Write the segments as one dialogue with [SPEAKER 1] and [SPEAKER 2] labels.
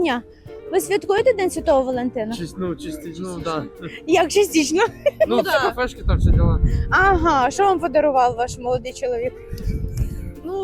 [SPEAKER 1] дня. Ви святкуєте День Святого Валентина?
[SPEAKER 2] Частично, да.
[SPEAKER 1] Як частично?
[SPEAKER 2] Ну,
[SPEAKER 1] да.
[SPEAKER 2] кафешки там все дела.
[SPEAKER 1] Ага, що вам подарував ваш молодий чоловік?
[SPEAKER 3] Ну,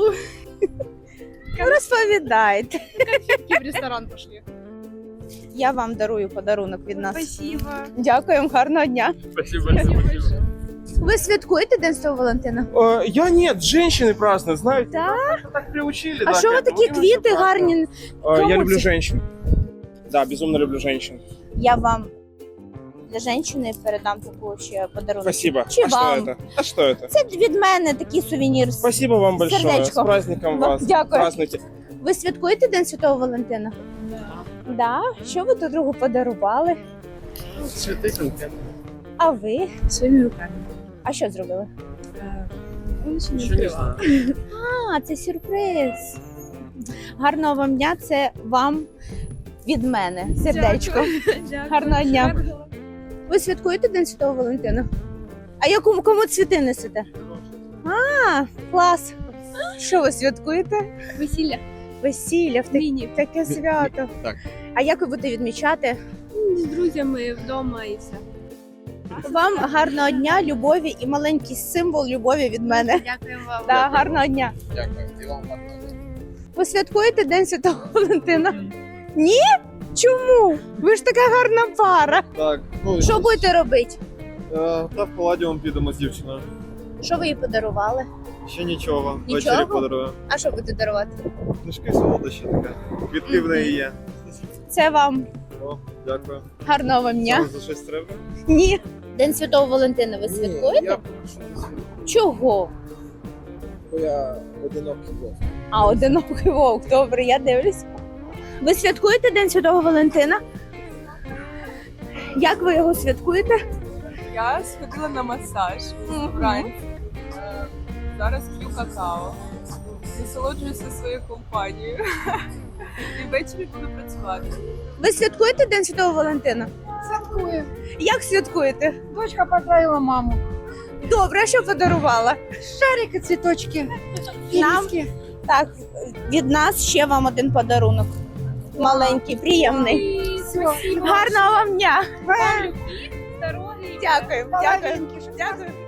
[SPEAKER 1] Розповідайте.
[SPEAKER 3] в ресторан пошли.
[SPEAKER 1] Я вам дарую подарунок від нас.
[SPEAKER 3] Спасибо.
[SPEAKER 1] Дякуємо, гарного дня.
[SPEAKER 2] Спасибо, спасибо.
[SPEAKER 1] Ви святкуєте День Святого Валентина?
[SPEAKER 4] Я нет, женщины празднуют, знаете.
[SPEAKER 1] Да?
[SPEAKER 4] Нас так приучили.
[SPEAKER 1] А
[SPEAKER 4] да,
[SPEAKER 1] що ви
[SPEAKER 4] как бы,
[SPEAKER 1] такі
[SPEAKER 4] мы
[SPEAKER 1] квіти
[SPEAKER 4] вообще
[SPEAKER 1] гарні?
[SPEAKER 4] празднуем. Я
[SPEAKER 1] Кому
[SPEAKER 4] люблю
[SPEAKER 1] це?
[SPEAKER 4] женщин. Да, безумно люблю женщин.
[SPEAKER 1] Я вам для жінки передам таку ще подарунок.
[SPEAKER 4] Спасибо.
[SPEAKER 1] Чи
[SPEAKER 4] А
[SPEAKER 1] вам?
[SPEAKER 4] что это? А что это?
[SPEAKER 1] Це від мене такий сувенір.
[SPEAKER 4] Спасибо вам большое.
[SPEAKER 1] Сердечко.
[SPEAKER 4] С праздником вас.
[SPEAKER 1] Дякую.
[SPEAKER 4] Празднуйте.
[SPEAKER 1] Ви святкуєте День Святого Валентина? Да. Що ви тут другу подарували?
[SPEAKER 2] Цветы конкретно.
[SPEAKER 1] А ви?
[SPEAKER 3] Своими руками.
[SPEAKER 1] А що зробили?
[SPEAKER 3] Он еще не
[SPEAKER 2] Еще не
[SPEAKER 3] открывал.
[SPEAKER 2] знаю.
[SPEAKER 1] А, це сюрприз. Гарного вам дня, це вам від мене. Сердечко.
[SPEAKER 3] Дякую.
[SPEAKER 1] Гарного дня. Ви святкуєте День Святого Валентина? А кому цвіти несете? А, клас. Що ви святкуєте?
[SPEAKER 3] Весілля.
[SPEAKER 1] Весілля,
[SPEAKER 3] Міні.
[SPEAKER 1] таке свято.
[SPEAKER 2] Так.
[SPEAKER 1] А як ви будете відмічати?
[SPEAKER 3] З друзями вдома і все.
[SPEAKER 1] Вам гарного дня, любові і маленький символ любові від мене.
[SPEAKER 3] Дякую вам.
[SPEAKER 1] Да, гарного дня.
[SPEAKER 2] Дякую. І вам гарного дня.
[SPEAKER 1] Ви святкуєте День Святого Валентина? Ні? Чому? Ви ж така гарна пара.
[SPEAKER 5] Так, ну
[SPEAKER 1] Що будете робити?
[SPEAKER 5] та в Палладіум підемо з дівчиною.
[SPEAKER 1] Що ви їй подарували?
[SPEAKER 5] Ще нічого.
[SPEAKER 1] Нічого?
[SPEAKER 5] Ввечері подарую.
[SPEAKER 1] А що будете дарувати?
[SPEAKER 5] Книжки солодощі таке. Квітки в неї є.
[SPEAKER 1] Це вам
[SPEAKER 5] О, дякую.
[SPEAKER 1] гарного вам дня.
[SPEAKER 5] Вам за щось треба?
[SPEAKER 1] Ні. День Святого Валентина ви святкуєте?
[SPEAKER 2] Я прошу не святкую,
[SPEAKER 1] Чого?
[SPEAKER 2] бо я одинокий вовк.
[SPEAKER 1] А, одинокий вовк, добре, я дивлюсь. Ви святкуєте День Святого Валентина? Як ви його святкуєте?
[SPEAKER 6] Я сходила на масаж вранці. Зараз п'ю какао. Насолоджуюся своєю компанією. І ввечері буду працювати.
[SPEAKER 1] Ви святкуєте День Святого Валентина?
[SPEAKER 3] Святкую.
[SPEAKER 1] Як святкуєте?
[SPEAKER 3] Дочка поздравила маму.
[SPEAKER 1] Добре, а що подарувала?
[SPEAKER 3] Шарики, цветочки.
[SPEAKER 1] Нам так, від нас ще вам один подарунок. Маленький, приємний.
[SPEAKER 3] Спасибо.
[SPEAKER 1] Гарного вам дня!
[SPEAKER 6] Здоров'я!
[SPEAKER 1] Дякую, дякую, дякую.